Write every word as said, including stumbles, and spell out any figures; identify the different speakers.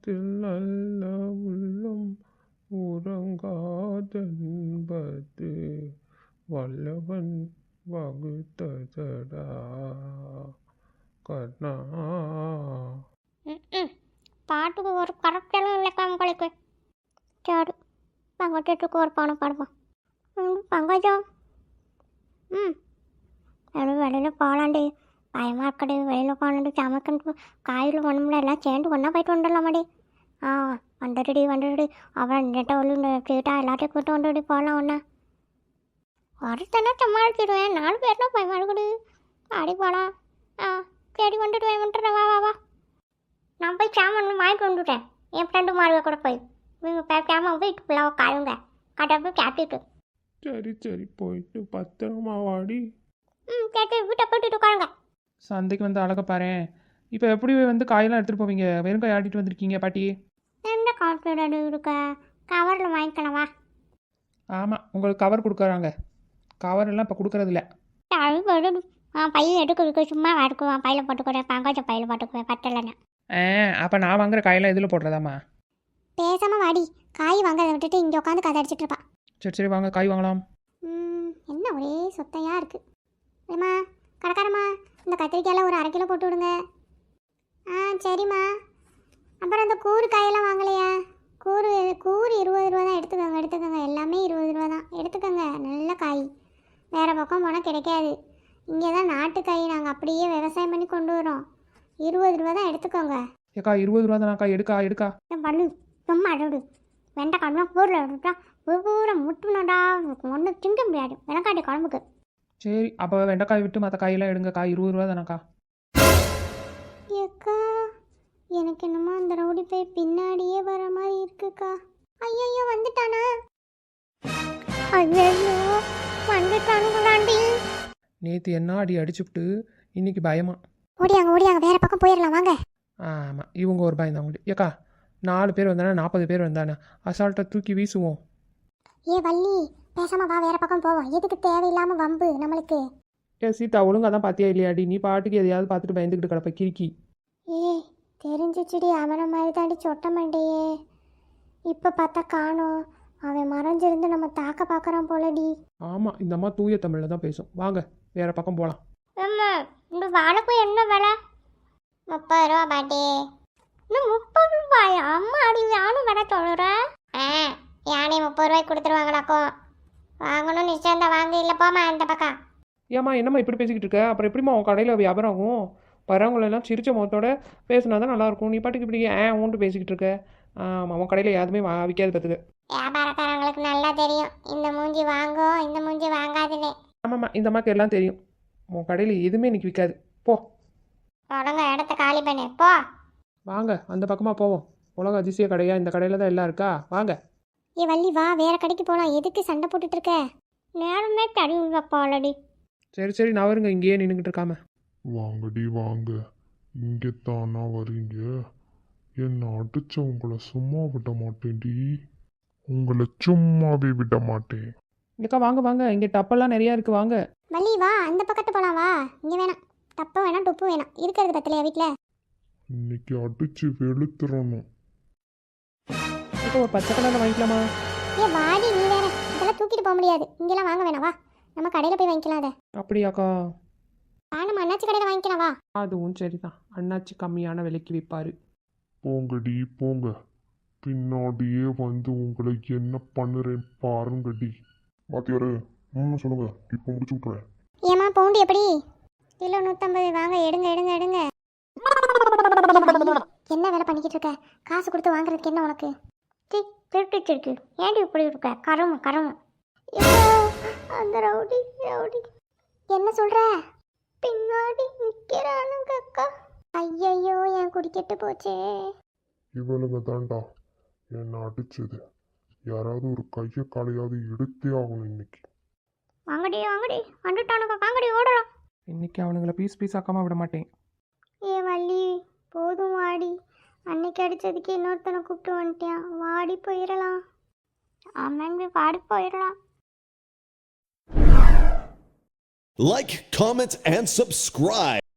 Speaker 1: உள்ளத்தில் நல்ல உள்ளம் உறங்காதென்பது வல்லவன் வகுத்ததடா கண்ணா.
Speaker 2: ம் பாட்டுக்கு ஒரு கரெக்டெல்லாம் இல்லைக்கா உங்களுக்கு. சரி பங்கஜத்துக்கு ஒரு பாடம் பாடுவோம். ம் பங்கஜம். ம் எல்லாம் வெளியில் போகலாண்டி, பயமாக இருக்கடி. வெளியில் போகலாண்டி, சமைக்கணும், காயில் ஒன்றும்ல எல்லாம் சேர்ந்து ஒன்றா போயிட்டு வந்துடலாமாடி. ஆ வந்துடுடி வந்துடுடி. அப்புறம் நெட்டை ஒன்று சீட்டா எல்லாத்தையும் கூட்டு வந்துடி போகலாம் ஒன்றா. ஒருத்தனை சமாளிச்சிடுவேன், நாலு பேர்னா பயமாக இருக்குடி. அடி போகலாம். ஆ சரி வந்துடுவேன் வந்துடுறேன். வா வா வா. நான் போய் சாமான் வாங்கிட்டு வந்துட்டேன். என் ஃப்ரெண்டு மாறுவை கூட போய் நீங்கள் பே சாமான் போய் ஃபுல்லாக காயுங்க கடை போய் சாப்பிட்டுட்டு.
Speaker 1: சரி சரி போயிட்டு பத்திரமா வாடி.
Speaker 2: ம் சரி வீட்டை போட்டுட்டு உட்காருங்க.
Speaker 3: சந்தைக்கு வந்து அழகா பாரேன். இப்போ எப்படி வந்து காயெல்லாம் எடுத்துகிட்டு போவீங்க? வெறும் காய் ஆட்டிட்டு வந்திருக்கீங்க பாட்டி.
Speaker 2: எந்த காசு இருக்க கவரில் வாங்கிக்கலாமா?
Speaker 3: ஆமாம், உங்களுக்கு கவர் கொடுக்குறாங்க. கவர் எல்லாம் இப்போ கொடுக்குறதில்ல.
Speaker 2: ஆ பையன் எடுக்க சும்மா எடுக்குவான், பையில போட்டுக்கிறேன். பங்காச்ச பையில போட்டுக்குவேன் பட்டலைன்னு.
Speaker 3: ஆ அப்போ நான் வாங்குற காயெல்லாம் எதில் போடுறதாம்மா?
Speaker 2: பேசாமல் வாடி, காய் வாங்கிறத விட்டுட்டு இங்கே உட்காந்து கதை அடிச்சிட்டு இருப்பான்.
Speaker 3: சரி சரி வாங்க காய் வாங்கலாம்.
Speaker 2: ம் என்ன ஒரே சொத்தையாக இருக்குது. ஏம்மா கடைக்காரம்மா, இந்த கத்திரிக்காயில் ஒரு அரை கிலோ போட்டு விடுங்க. ஆ சரிம்மா. அப்புறம் இந்த கூறு காயெல்லாம் வாங்கலையா? கூறு கூறு இருபது ரூபா தான். எடுத்துக்கோங்க எடுத்துக்கோங்க, எல்லாமே இருபது ரூபா தான். எடுத்துக்கோங்க, நல்ல காய். வேறு பக்கம் போனால் கிடைக்காது. இங்கே தான் நாட்டு காய், நாங்கள் அப்படியே விவசாயம் பண்ணி கொண்டு வரோம். இருபது ரூபா தான், எடுத்துக்கோங்க.
Speaker 3: ஏக்கா இருபது ரூபா தானாக்கா? எடுக்கா எடுக்கா.
Speaker 2: பண்ணு சும்மா அடவிடு. வெண்டைக்காய்லாம் கூறில் விட்டுட்டா பூரா முட்டுனடா, ஒன்றும் திங்க முடியாது வெண்டைக்காய் குழம்புக்கு.
Speaker 3: சரி அப்போ வெண்டைக்காய் விட்டு மற்ற காயெல்லாம் எடுங்க. காய் இருபது ரூபா தானாக்கா?
Speaker 2: ஏக்கா எனக்கு என்னமோ அந்த ரவுடி போய் பின்னாடியே வர மாதிரி இருக்குக்கா. ஐயோ வந்துட்டானா? ஐயோ வந்துட்டானுங்களாண்டி.
Speaker 3: நேற்று என்ன அடி அடிச்சுவிட்டு இன்னைக்கு பயமா.
Speaker 2: ஓடியாங்க ஓடியாங்க, வேற பக்கம் போயிடலாம் வாங்க.
Speaker 3: ஆமாம் இவங்க ஒரு பயம் தான் உங்களுக்கு. ஏக்கா நாலு பேர் வந்தானே நாற்பது பேர் வந்தானே அசால்ட்டாக தூக்கி வீசுவோம்.
Speaker 2: ஏ வள்ளி பேசாம வா, வேற பக்கம் போவோம். எதுக்கு தேவையில்லாம வம்பு நம்மளுக்கு?
Speaker 3: ஏ சீதா ஒழுங்காக தான் பார்த்தியா இல்லையாடி? நீ பாட்டுக்கு எதையாவது பார்த்துட்டு பயந்துக்கிட்டு கிடப்ப கிறுக்கி.
Speaker 2: ஏ தெரிஞ்சிச்சுடி, அவனை மாதிரி தாண்டி சொட்ட மாட்டேயே. இப்போ பார்த்தா காணோம். அவன் மறைஞ்சிருந்து நம்ம தாக்க பார்க்குறான் போலடி.
Speaker 3: ஆமாம் இந்த அம்மா தூய தமிழில் தான் பேசும். வாங்க வேற பக்கம் போகலாம்.
Speaker 2: இந்த வாழைப்பூ என்ன விலை? முப்பது ரூபா பாட்டி. இன்னும் முப்பது ரூபாயா? அம்மா அடி யானும் விலை சொல்கிறேன். ஆ யானே முப்பது ரூபாய்க்கு கொடுத்துருவாங்களாக்கும். வாங்கணும் நிச்சயம் தான் வாங்க. இல்லை போமா அந்த பக்கம்.
Speaker 3: ஏம்மா என்னம்மா இப்படி பேசிக்கிட்டு இருக்க? அப்புறம் எப்படிம்மா உன் கடையில் வியாபாரம் ஆகும்? வரவங்களெல்லாம் சிரிச்ச முகத்தோட பேசினா தான் நல்லாயிருக்கும். நீ பாட்டுக்கு இப்படி ஏ ஊன்ட்டு பேசிக்கிட்டு இருக்க. ஆமாம் உன் கடையில் எதுவுமே வா விற்காது பார்த்துக்க.
Speaker 2: வியாபாரக்காரங்களுக்கு நல்லா தெரியும் இந்த மூஞ்சி வாங்கும் இந்த மூஞ்சி வாங்காதுன்னு.
Speaker 3: ஆமாம்மா இந்த அம்மாக்கு எல்லாம் தெரியும். உன் கடையில் எதுவுமே இன்னைக்கு விற்காது. போ
Speaker 2: தொடங்க இடத்த காலி பண்ணு போ.
Speaker 3: வாங்க அந்த பக்கமாக போவோம். உலக அதிசய கடையா? இந்த கடையில் தான் எல்லாம் இருக்கா? வாங்க.
Speaker 2: ஏ வள்ளி வா, வேற கடைக்கு போகலாம். எதுக்கு சண்டை போட்டுட்டு இருக்க? நேரமே தடி வைப்பாளடி.
Speaker 3: சரி சரி நான் வருங்க, இங்கேயே நின்றுக்கிட்டு இருக்காம.
Speaker 1: வாங்கடி வாங்க, இங்கே தானா வரீங்க? என்னை அடிச்ச உங்களை சும்மா விட மாட்டேன்டி. உங்களை சும்மாவே விட மாட்டேன்.
Speaker 3: இங்கக்கா வாங்க வாங்க, இங்கே டப்பெல்லாம் நிறையா இருக்குது. வாங்க
Speaker 2: வள்ளி வா, அந்த பக்கத்து போகலாம் வா. இங்கே வேணாம், தப்பு வேணாம் டுப்பு வேணாம். இருக்கிறது பத்தலையா வீட்டில்?
Speaker 1: இன்னைக்கு அடிச்சு வெளுத்துறணும்.
Speaker 3: இப்போ ஒரு பச்சை கலரில் வாங்கிக்கலாமா?
Speaker 2: ஏ வாடி, நீ வேற இதெல்லாம் தூக்கிட்டு போக முடியாது. இங்கெல்லாம் வாங்க வேணாம் வா, நம்ம கடையில் போய் வாங்கிக்கலாம். அதை
Speaker 3: அப்படியாக்கா?
Speaker 2: ஆ நம்ம அண்ணாச்சி கடையில் வாங்கிக்கலாம் வா.
Speaker 3: அதுவும் சரிதான், அண்ணாச்சி கம்மியான விலைக்கு விற்பாரு.
Speaker 1: போங்கடி போங்க, பின்னாடியே வந்து உங்களை என்ன பண்ணுறேன் பாருங்கடி. மாத்தியாரு ம் சொல்லுங்க, இப்போ முடிச்சு விட்றேன்.
Speaker 2: ஏமா பவுண்டு எப்படி? கிலோ நூற்றம்பது. வாங்க எடுங்க எடுங்க எடுங்க. என்ன வேலை பண்ணிக்கிட்டு இருக்க? காசு கொடுத்து வாங்குறதுக்கு என்ன உனக்கு? திருட்டு திருட்டு ஏன்டி இப்படி இருக்க? கரும கரும. அந்த ரவுடி ரவுடி என்ன சொல்ற? பின்னாடி நிற்கிறானுங்க அக்கா. ஐயையோ என் குடிக்கெட்டு போச்சே.
Speaker 1: இவளுங்க தாண்டா என்னை அடிச்சது. யாராவது ஒரு கையை காலையாவது எடுத்தே ஆகணும் இன்னைக்கு.
Speaker 2: வாங்கடி வாங்கடி வந்துட்டானுங்க, வாங்கடி ஓடலாம்.
Speaker 3: இன்னைக்கு அவனுங்களை பீஸ் பீஸ் ஆக்காம விட மாட்டேன்.
Speaker 2: ஏ வள்ளி போதும் வாடி. அன்னைக்கு அடித்ததுக்கு இன்னொருத்தனை கூப்பிட்டு வந்துட்டான். வாடி போயிடலாம். ஆமாங்க வாடி போயிடலாம்.
Speaker 4: Like, comment, and subscribe.